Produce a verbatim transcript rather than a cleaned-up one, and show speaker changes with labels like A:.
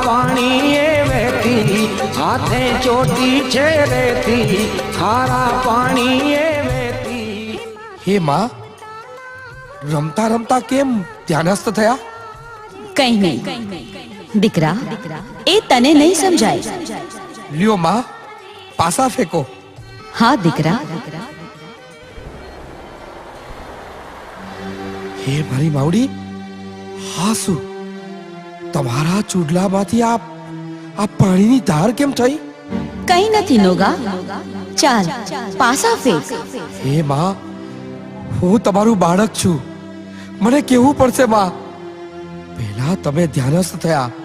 A: पानी ये वहती, हाथे चोटी छे रहती, खारा पानी ये वहती।
B: हे माँ, रमता रमता केम ध्यानस्थ थया?
C: कहीं नहीं दिकरा, ए तने नहीं समझाए।
B: लियो माँ, पासा फेंको।
C: हाँ दिकरा।
B: हे मारी मावड़ी, हासु तमारा चूडला माथी आप आप पानी नी धार केम थई?
C: कहीं नहीं नोगा, चाल पासा फेंक।
B: हे माँ, હું તમારું બાળક છું, મને કેવું પડશે માં? પહેલા તમે ધ્યાનસ્થ થયા,